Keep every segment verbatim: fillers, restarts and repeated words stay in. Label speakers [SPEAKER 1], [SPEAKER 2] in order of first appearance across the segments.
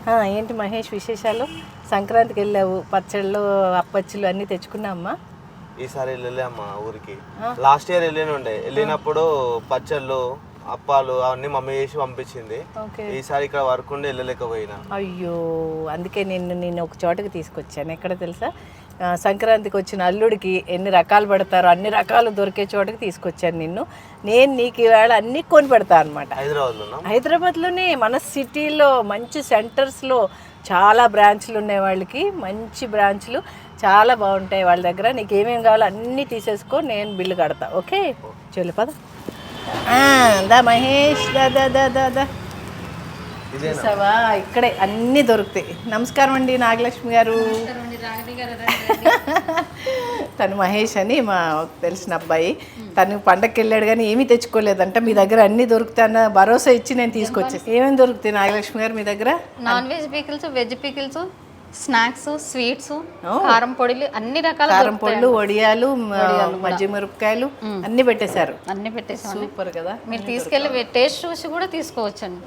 [SPEAKER 1] ఏంటి మహేష్ విశేషాలు? సంక్రాంతికి వెళ్ళావు, పచ్చళ్ళు అప్పచ్చులు అన్నీ తెచ్చుకున్నామ్మా?
[SPEAKER 2] ఈసారి వెళ్ళలే అమ్మా ఊరికి. లాస్ట్ ఇయర్ వెళ్ళిన ఉండే, వెళ్ళినప్పుడు పచ్చళ్ళు అప్పాలు అవన్నీ మమ్మీ చేసి పంపించింది. ఈసారి ఇక్కడ వర్క్ ఉండి వెళ్ళలేకపోయినా.
[SPEAKER 1] అయ్యో, అందుకే నిన్ను నేను ఒక చోటకి తీసుకొచ్చాను. ఎక్కడ తెలుసా? సంక్రాంతికి వచ్చిన అల్లుడికి ఎన్ని రకాలు పెడతారో అన్ని రకాలు దొరికే చోటకి తీసుకొచ్చాను నిన్ను. నేను నీకు ఈవేళ అన్నీ కొని పెడతా అనమాట.
[SPEAKER 2] హైదరాబాద్లో
[SPEAKER 1] హైదరాబాద్లోనే మన సిటీలో మంచి సెంటర్స్లో చాలా బ్రాంచ్లు ఉన్నాయి. వాళ్ళకి మంచి బ్రాంచ్లు చాలా బాగుంటాయి వాళ్ళ దగ్గర. నీకు ఏమేమి కావాలో అన్నీ తీసేసుకో, నేను బిల్లు కడతా. ఓకే, చెల్లి పద. దా మహేష్, దా దా దా దా దా చూసావా, ఇక్కడే అన్నీ దొరుకుతాయి. నమస్కారం అండి నాగలక్ష్మి గారు. తను మహేష్ అని మా తెలిసిన అబ్బాయి. తను పండగకి వెళ్ళాడు కానీ ఏమీ తెచ్చుకోలేదంట. మీ దగ్గర అన్నీ దొరుకుతాయన్న భరోసా ఇచ్చి నేను తీసుకొచ్చాను. ఏమేమి దొరుకుతాయి నాగలక్ష్మి గారు మీ దగ్గర?
[SPEAKER 3] Non veg pickles, veg pickles, snacks, sweets, కారం పొడిలు, అన్ని రకాల
[SPEAKER 1] కారం పొడులు, వడియాలు, మజ్జి మిరపకాయలు అన్ని పెట్టేశారు.
[SPEAKER 3] అన్ని పెట్టేసాం.
[SPEAKER 1] సూపర్ కదా.
[SPEAKER 3] మీరు తీసుకెళ్ళి టేస్ట్ చూసి కూడా తీసుకోవచ్చండి.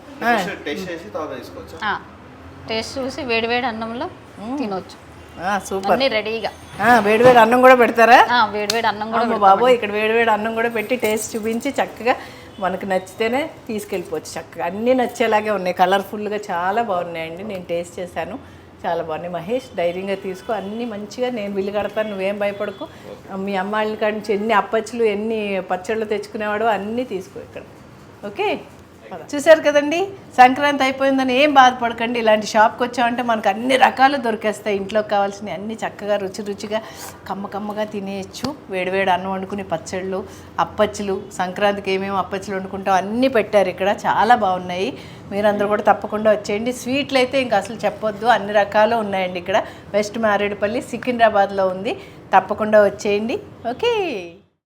[SPEAKER 3] టేస్ట్ చూసి వేడి వేడి అన్నంలో తినవచ్చు.
[SPEAKER 1] సూపర్,
[SPEAKER 3] అన్ని రెడీగా.
[SPEAKER 1] వేడి వేడి అన్నం కూడా పెడతారా?
[SPEAKER 3] వేడి వేడి అన్నం కూడా
[SPEAKER 1] బాబో, ఇక్కడ వేడి వేడి అన్నం కూడా పెట్టి టేస్ట్ చూపించి చక్కగా మనకు నచ్చితేనే తీసుకెళ్ళిపోవచ్చు. చక్కగా అన్నీ నచ్చేలాగే ఉన్నాయి, కలర్ఫుల్గా చాలా బాగున్నాయండి. నేను టేస్ట్ చేశాను, చాలా బాగున్నాయి. మహేష్ ధైర్యంగా తీసుకో, అన్నీ మంచిగా నేను బిల్లు కడతాను, నువ్వేం భయపడకు. మీ అమ్మాయిల కాడి నుంచి ఎన్ని అప్పచ్చులు ఎన్ని పచ్చళ్ళు తెచ్చుకునేవాడు అన్నీ తీసుకో ఇక్కడ. ఓకే, చూసారు కదండి. సంక్రాంతి అయిపోయిందని ఏం బాధపడకండి. ఇలాంటి షాప్కి వచ్చామంటే మనకు అన్ని రకాలు దొరికేస్తాయి. ఇంట్లోకి కావాల్సినవి అన్నీ చక్కగా రుచి రుచిగా కమ్మ కమ్మగా తినేయచ్చు. వేడివేడి అన్నం వండుకుని పచ్చళ్ళు, అప్పచ్చులు, సంక్రాంతికి ఏమేమి అప్పచ్చులు వండుకుంటాం అన్నీ పెట్టారు ఇక్కడ, చాలా బాగున్నాయి. మీరందరూ కూడా తప్పకుండా వచ్చేయండి. స్వీట్లు అయితే ఇంకా అసలు చెప్పొద్దు, అన్ని రకాలు ఉన్నాయండి ఇక్కడ. వెస్ట్ మారేడుపల్లి సికింద్రాబాద్లో ఉంది. తప్పకుండా వచ్చేయండి. ఓకే.